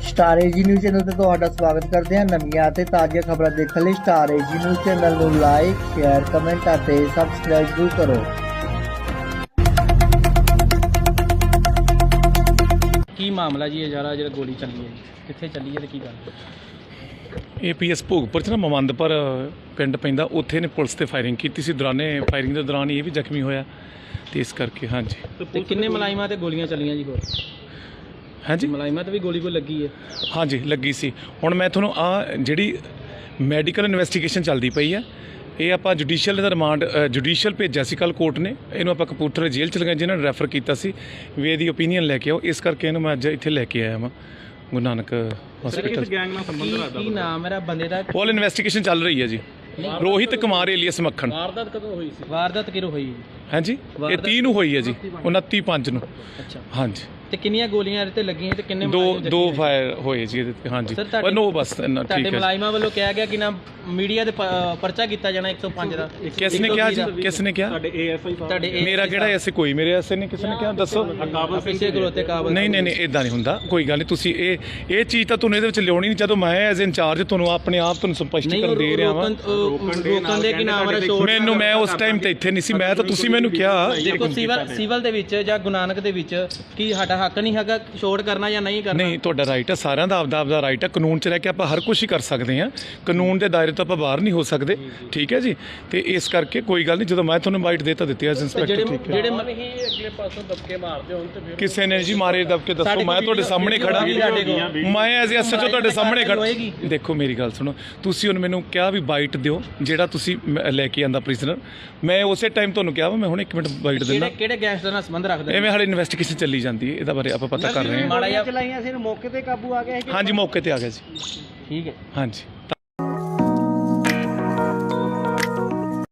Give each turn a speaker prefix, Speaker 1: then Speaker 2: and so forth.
Speaker 1: Star AG news channel ਤੇ ਤੁਹਾਡਾ ਸਵਾਗਤ ਕਰਦੇ ਹਾਂ। ਨਵੀਆਂ ਤੇ ਤਾਜ਼ੀਆਂ ਖਬਰਾਂ ਦੇਖਣ ਲਈ ਸਟਾਰ ਏਜੀ ਨਿਊਜ਼ ਚੈਨਲ ਨੂੰ ਲਾਈਕ, ਸ਼ੇਅਰ, ਕਮੈਂਟ ਅਤੇ ਸਬਸਕ੍ਰਾਈਬ ਜ਼ਰੂਰ ਕਰੋ।
Speaker 2: ਕੀ ਮਾਮਲਾ ਜੀ ਇਹ ਜਿਹੜਾ ਗੋਲੀ ਚੱਲੀ ਹੈ ਜੀ, ਕਿੱਥੇ ਚੱਲੀ ਹੈ ਤੇ ਕੀ ਗੱਲ?
Speaker 3: APS ਭੋਗਪੁਰ 'ਚ ਨਾ ਮਮੰਦਪੁਰ ਪਿੰਡ ਪੈਂਦਾ, ਉੱਥੇ ਨੇ ਪੁਲਿਸ ਤੇ ਫਾਇਰਿੰਗ ਕੀਤੀ ਸੀ। ਫਾਇਰਿੰਗ ਦੇ ਦੌਰਾਨ ਇਹ ਵੀ ਜ਼ਖਮੀ ਹੋਇਆ ਤੇ ਇਸ ਕਰਕੇ ਹਾਂਜੀ।
Speaker 2: ਤੇ ਕਿੰਨੇ ਮੁਲਾਜ਼ਮਾਂ ਤੇ ਗੋਲੀਆਂ ਚੱਲੀਆਂ ਜੀ? ਹੋਰ
Speaker 3: ਹਾਂਜੀ
Speaker 2: ਮੁਲਾਜ਼ਮਾਂ ਤੇ ਵੀ ਗੋਲੀ ਕੋਈ ਲੱਗੀ ਹੈ?
Speaker 3: ਹਾਂਜੀ ਲੱਗੀ ਸੀ। ਹੁਣ ਮੈਂ ਤੁਹਾਨੂੰ ਜਿਹੜੀ ਮੈਡੀਕਲ ਇਨਵੈਸਟੀਗੇਸ਼ਨ ਚੱਲਦੀ ਪਈ ਆ, ਇਹ ਆਪਾਂ ਜੁਡੀਸ਼ੀਅਲ ਦਾ ਰਿਮਾਂਡ ਜੁਡੀਸ਼ੀਅਲ ਭੇਜਿਆ ਸੀ ਕੱਲ੍ਹ ਕੋਰਟ ਨੇ। ਇਹਨੂੰ ਆਪਾਂ ਕਪੂਰਥਲੇ ਜੇਲ੍ਹ 'ਚ ਲਗਾਇਆ, ਜਿਹਨਾਂ ਨੇ ਰੈਫਰ ਕੀਤਾ ਸੀ ਵੀ ਇਹਦੀ ਓਪੀਨੀਅਨ ਲੈ ਕੇ ਆਓ। ਇਸ ਕਰਕੇ ਇਹਨੂੰ ਮੈਂ ਅੱਜ ਇੱਥੇ ਲੈ ਕੇ ਆਇਆ ਵਾਂ ਗੁਰੂ ਨਾਨਕ ਹਸਪੀਟਲ।
Speaker 2: ਕੀ ਨਾਮ ਮੇਰਾ ਬੰਦੇ ਦਾ?
Speaker 3: ਪੋਲ ਇਨਵੈਸਟੀਗੇਸ਼ਨ ਚੱਲ ਰਹੀ ਹੈ ਜੀ। ਰੋਹਿਤ ਕੁਮਾਰ ਏਲੀਅਸ ਮੱਖਣ।
Speaker 2: ਵਾਰਦਾਤ ਕਦੋਂ ਹੋਈ ਸੀ? ਵਾਰਦਾਤ ਕਿਰੋ ਹੋਈ?
Speaker 3: ਹਾਂਜੀ ਇਹ 30 ਨੂੰ ਹੋਈ ਹੈ ਜੀ, 29/5 ਨੂੰ।
Speaker 2: ਅੱਛਾ
Speaker 3: ਹਾਂਜੀ।
Speaker 2: ਤੇ ਕਿੰਨੀਆਂ ਗੋਲੀਆਂ ਇਹਦੇ ਤੇ ਲੱਗੀਆਂ ਤੇ ਕਿੰਨੇ
Speaker 3: ਦੋ ਫਾਇਰ ਹੋਏ ਜੀ ਇਹਦੇ ਤੇ। ਹਾਂਜੀ ਨੋ ਬਸ ਇੰਨਾ ਠੀਕ
Speaker 2: ਤੁਹਾਡੇ
Speaker 3: ਹੈ।
Speaker 2: ਮੁਲਾਜ਼ਮਾਂ ਵੱਲੋਂ ਕਿਹਾ ਗਿਆ ਕਿ ਨਾ ਮੀਡੀਆ ਦੇ ਪਰਚਾ ਕੀਤਾ ਜਾਣਾ 105 ਦਾ।
Speaker 3: ਕਿਸ ਨੇ ਕਿਹਾ ਜੀ? ਕਿਸ ਨੇ ਕਿਹਾ?
Speaker 2: ਤੁਹਾਡੇ
Speaker 3: ਮੇਰਾ ਕਿਹੜਾ ਐਸੇ ਕੋਈ ਮੇਰੇ ਐਸੇ ਨਹੀਂ ਕਿਸੇ ਨੇ ਕਿਹਾ, ਦੱਸੋ।
Speaker 2: ਪਿੱਛੇ ਖਲੋਤੇ ਕਾਬਲ
Speaker 3: ਨਹੀਂ ਇਦਾਂ ਨਹੀਂ ਹੁੰਦਾ, ਕੋਈ ਗੱਲ ਨਹੀਂ। ਤੁਸੀਂ ਇਹ ਚੀਜ਼ ਤਾਂ ਤੁਹਾਨੂੰ ਇਹਦੇ ਵਿੱਚ ਲਿਆਉਣੀ ਨਹੀਂ। ਜਦੋਂ ਮੈਂ ਐਜ਼ ਇੰਚਾਰਜ ਤੁਹਾਨੂੰ ਆਪਣੇ ਆਪ ਤੁਹਾਨੂੰ ਸਪਸ਼ਟੀਕਰਨ ਦੇ ਰਿਹਾ ਵਾਂ।
Speaker 2: ਰੋਕਣ ਦੇ ਕਿ ਨਾਮ ਮੇਰਾ ਸ਼ੋਰ
Speaker 3: ਮੈਂ ਉਸ ਟਾਈਮ ਤੇ ਇੱਥੇ ਨਹੀਂ ਸੀ, ਮੈਂ ਤਾਂ ਤੁਸੀਂ ਮੈਨੂੰ ਕਿਹਾ।
Speaker 2: ਦੇਖੋ ਸਿਵਲ ਦੇ ਵਿੱਚ ਜਾਂ ਗੁਰੂ ਨਾਨਕ ਦੇ ਵਿੱਚ ਕੀ ਸਾਡਾ ਹੱਕ ਨਹੀਂ ਹੈਗਾ ਛੋੜ ਕਰਨਾ ਜਾਂ ਨਹੀਂ ਕਰਨਾ?
Speaker 3: ਨਹੀਂ, ਤੁਹਾਡਾ ਰਾਈਟ ਹੈ, ਸਾਰਿਆਂ ਦਾ ਆਪਦਾ ਰਾਈਟ ਹੈ। ਕਾਨੂੰਨ 'ਚ ਰਹਿ ਕੇ ਆਪਾਂ ਹਰ ਕੁਝ ਹੀ ਕਰ ਸਕਦੇ ਹਾਂ। ਕਾਨੂੰਨ ਦੇ ਦਾਇਰੇ ਤੋਂ ਆਪਾਂ ਬਾਹਰ ਨਹੀਂ ਹੋ ਸਕਦੇ, ਠੀਕ ਹੈ ਜੀ। ਤੇ ਇਸ ਕਰਕੇ ਕੋਈ ਗੱਲ ਨਹੀਂ। ਜਦੋਂ ਮੈਂ ਤੁਹਾਨੂੰ ਇਨਵਾਈਟ ਦਿੱਤੀ ਐਜ਼ ਇੰਸਪੈਕਟਰ,
Speaker 2: ਜਿਹੜੇ
Speaker 4: ਅਗਲੇ ਪਾਸੋਂ ਦਬਕੇ ਮਾਰਦੇ ਹੋਣ ਤੇ ਫਿਰ
Speaker 3: ਕਿਸੇ ਨੇ ਜੀ ਮਾਰੇ ਦਬਕੇ ਦੱਸੋ। ਮੈਂ ਤੁਹਾਡੇ ਸਾਹਮਣੇ ਖੜਾ, ਮੈਂ ਐਜ਼ ਐਸਐਚਓ ਤੁਹਾਡੇ ਸਾਹਮਣੇ ਖੜਾ। ਦੇਖੋ ਮੇਰੀ ਗੱਲ ਸੁਣੋ, ਤੁਸੀਂ ਹੁਣ ਮੈਨੂੰ ਕਿਹਾ ਵੀ ਬਾਈਟ ਦਿਓ ਜਿਹੜਾ ਤੁਸੀਂ ਲੈ ਕੇ ਆਂਦਾ ਪ੍ਰਿਜ਼ਨਰ। ਮੈਂ ਉਸੇ ਟਾਈਮ ਤੁਹਾਨੂੰ ਕਿਹਾ ਵਾ ਮੈਂ ਹੁਣ 1 ਮਿੰਟ ਬਾਈਟ ਦਿੰਦਾ।
Speaker 2: ਕਿਹੜੇ ਗੈਂਗਸਟਰ ਨਾਲ ਸੰਬੰਧ ਰੱਖਦੇ?
Speaker 3: ਐਵੇਂ ਹਾਲੇ ਇਨਵੈਸਟੀਗੇਸ਼ਨ ਚੱਲੀ ਜਾਂਦੀ ਹੈ, ਇਹਦਾ ਬਾਰੇ ਆਪਾਂ ਪਤਾ ਕਰ ਰਹੇ ਹਾਂ।
Speaker 2: ਚਲਾਈਆਂ ਸੀ, ਮੌਕੇ ਤੇ ਕਾਬੂ ਆ ਗਿਆ?
Speaker 3: ਹਾਂਜੀ ਮੌਕੇ ਤੇ ਆ ਗਿਆ ਜੀ।
Speaker 2: ਠੀਕ ਹੈ।
Speaker 3: ਹਾਂਜੀ।